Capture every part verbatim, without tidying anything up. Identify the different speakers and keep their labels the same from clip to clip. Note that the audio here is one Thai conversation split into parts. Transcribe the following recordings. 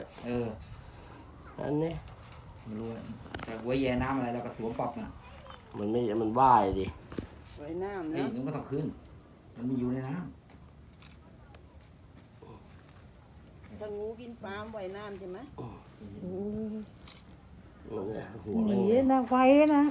Speaker 1: เออ
Speaker 2: อันนี้
Speaker 1: ไม่รู้แต่หัวแย่น้ำอะไรเราก็สวมปรับนะ
Speaker 2: มันไม่มันว่ายดิ
Speaker 3: ไว้น้ำ
Speaker 1: เฮ้ย
Speaker 3: นะ
Speaker 1: มันก็ต้องขึ้นมันมีอยู่ในน้ำ
Speaker 3: ถ้างูกินปลาไว้น้ำใช่ไหม
Speaker 2: หัว
Speaker 4: ห
Speaker 2: มัน
Speaker 4: นีนะไวด้วยนะ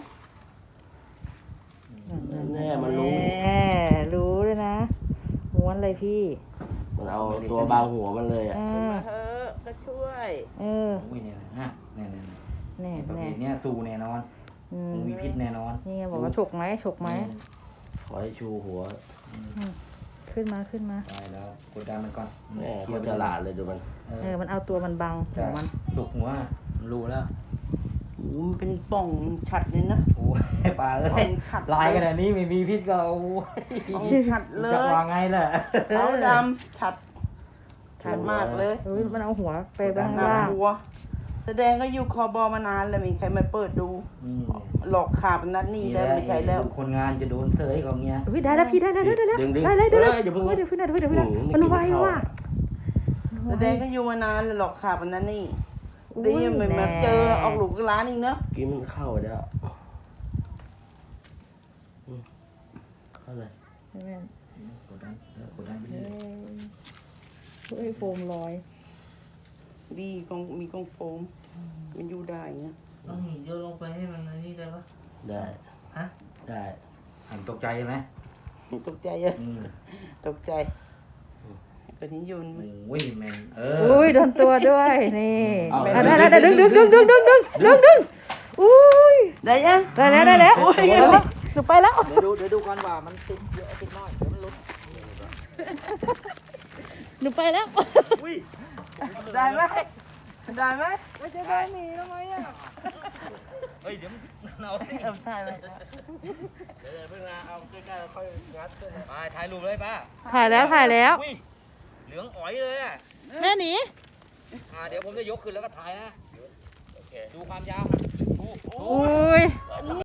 Speaker 2: แน่มันรู้
Speaker 4: แน่รู้ด้วยนะม้วนเลยพี่
Speaker 2: มันเอาตัวบางหัวมันเลยอ่ะ
Speaker 4: อ่า
Speaker 3: มาเถอะก็ช่วย
Speaker 4: เออ
Speaker 1: โอ้ยเนี่ยนะฮะเนี่ยเนี่ย
Speaker 4: แน่
Speaker 1: ประเภ
Speaker 4: แน่
Speaker 1: ทเนี้ยสู้แน่นอน
Speaker 4: อืม
Speaker 1: คงมีพิษแน่นอน
Speaker 4: นี่ไงบอกว่าฉกไหมฉกไหม
Speaker 2: ขอให้ชูหัว
Speaker 4: ขึ้นมาขึ้นมา
Speaker 1: ตายแล้วกดดันมันก่อน
Speaker 2: แม่เขาฉลาดเลยดูมัน
Speaker 1: เอ
Speaker 4: เอ
Speaker 1: อ
Speaker 4: อมันเอาตัวมันบังหัวมัน
Speaker 1: สุกหัวมันรู้แล้ว
Speaker 3: มันเป็นป่องฉัดเลยนะ
Speaker 1: โอ้ยปลาเอ้
Speaker 3: ป่อย งฉัด
Speaker 1: ลายขนาดนี้ไม่มีพิษก็โอ้ย
Speaker 3: ป่องฉัดเล
Speaker 1: จะ
Speaker 3: ยว
Speaker 1: างไงล่ะ
Speaker 3: ขาวดำฉัดฉัดมากเลย
Speaker 4: เฮ้ยมันเอาหัวไปบ้าง
Speaker 3: หน้า
Speaker 4: ล่าง
Speaker 3: หัวแสดงก็อยู่คอบอมานานแล้วมีใครมาเปิดดู
Speaker 1: อืม
Speaker 3: หลอกขาบนัดนี้แล้วไม่ใช่แล้ว
Speaker 1: คนงานจะโดนเสยของเงี้ย
Speaker 4: เฮ้ยได้แล้วพี่ได้ได้ได้ได้ได้
Speaker 2: ดึงดึง
Speaker 4: ได้เลยได้เลย
Speaker 2: อย่าเพิ่ง
Speaker 4: เฮ้ยเดี๋ยวพึ่งนะเดี๋ยวพึ่งนะเดี๋ยวพึ่งนะ
Speaker 2: อืม
Speaker 4: มันไว
Speaker 2: ไม่กินข้าว
Speaker 4: ว่ะ
Speaker 3: แสดงก็อยู่มานานแล้วหลอกขาบนัดนี้
Speaker 4: อุ้ย
Speaker 3: ดีเหมือน
Speaker 4: แ
Speaker 3: มาเจอออกลูกร้านอีกเนอะ
Speaker 2: กินมันเข้าไปแล้วอืมเข้าเลย
Speaker 4: ใช่ไหม
Speaker 1: กดดันเออกดดันไป
Speaker 4: เฮ้
Speaker 1: เรื่อย
Speaker 4: ยเฮ้ยโฟมลอย
Speaker 3: ดีกองมีกองโฟมมันอยู่ได้เงี้ย
Speaker 1: ต้องหินโยนลงไปให้มันอันนี้ได้ปะ
Speaker 2: ได้
Speaker 1: ฮะ
Speaker 2: ได้
Speaker 1: หันตกใจใช่ไหม
Speaker 3: ตกใจเยอะ
Speaker 1: อืม
Speaker 3: ตกใจก็นี้ยุน
Speaker 1: โอ้ยแมนเออ
Speaker 4: อุ้ยโดนตัวด้วยนี่
Speaker 2: เอา
Speaker 4: อ่ะได้ได้ได้ดึงดึงดึงดึงดึงดึงดึงดึงอุ้ย
Speaker 3: ได้ยัง
Speaker 4: ได้แล้วได้แล้วหนูไปแล้ว
Speaker 1: เดี๋ยวดูเดี๋ยวดูก่อนว่ามันติดเยอะติดน้อยเดี๋ยวมันหลุด
Speaker 4: หนูไปแล้ว
Speaker 3: ได้ไหมได้ไหม
Speaker 4: ไม่จะได้หนีทำไมอ่ะ
Speaker 1: เฮ้ยเดี๋ยวเรา
Speaker 3: เอาได้ไหม
Speaker 1: เดี๋ยวเพิ่งมาเอาใกล้ๆค่อยงัดไปถ่ายรูปเลยป้า
Speaker 4: ถ่ายแล้วถ่ายแล้ว
Speaker 1: อุ้ยเหลืองอ๋อยเลยอ่ะ
Speaker 4: แม่หนี
Speaker 1: อ่าเดี๋ยวผมจะยกขึ้นแล้วก็ถ่ายนะโอเคดูความยาว
Speaker 4: อุ้ย